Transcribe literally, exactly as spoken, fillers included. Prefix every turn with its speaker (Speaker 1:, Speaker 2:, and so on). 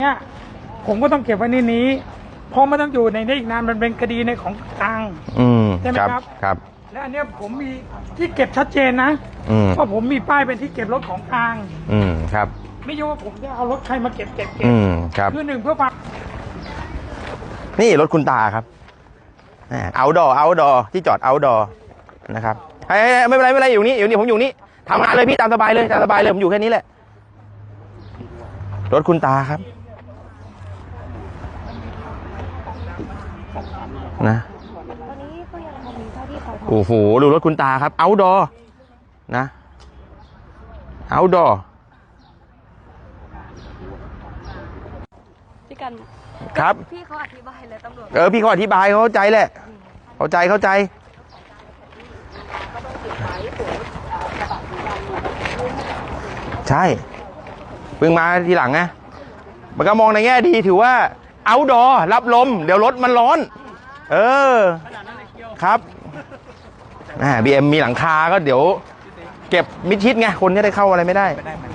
Speaker 1: เนี่ยผมก็ต้องเก็บไว้ในนี้เพราะมันต้องอยู่ในนี้อีกนานมันเป็นคดีในของกลาง
Speaker 2: อืม
Speaker 1: ใช่ไหมครับ
Speaker 2: ครับ
Speaker 1: และอันเนี้ยผมมีที่เก็บชัดเจนนะเพราะผมมีป้ายเป็นที่เก็บรถของกลาง
Speaker 2: อืมครับ
Speaker 1: ไม่ใช่ว่าผมจะเอารถใครมาเก็บเก็บเก็บ
Speaker 2: อืมครับ
Speaker 1: คือหนึ่งเพื่อความ
Speaker 2: นี่รถคุณตาครับเอาดอเอาดอที่จอดเอาดอนะครับไม่เป็นไรไม่เป็นไรอยู่นี่อยู่นี่ผมอยู่นี่ทำงานเลยพี่ตามสบายเลยตามสบายเลยผมอยู่แค่นี้แหละรถคุณตาครับนะ
Speaker 3: ตอนนี้ก็ยังมีเท่าที่เขาทำ
Speaker 2: โอ้โหดูรถคุณตาครับเอาดอนะเอาดอ
Speaker 3: พี่กัน
Speaker 2: ครับ
Speaker 3: พี่เขาอธิบายเลยตำรวจ
Speaker 2: เออพี่เขาอธิบายเขาเข้าใจแหละเข้าใจเข้าใจใช่เพิ่งมาทีหลังไงมันก็มองในแง่ดีถือว่าเอาดอรับลมเดี๋ยวรถมันร้อนเออครับอ่าบีเอ็มมีหลังคาก็เดี๋ยวเก็บมิดชิดไงคนจะได้เข้าอะไรไม่ได้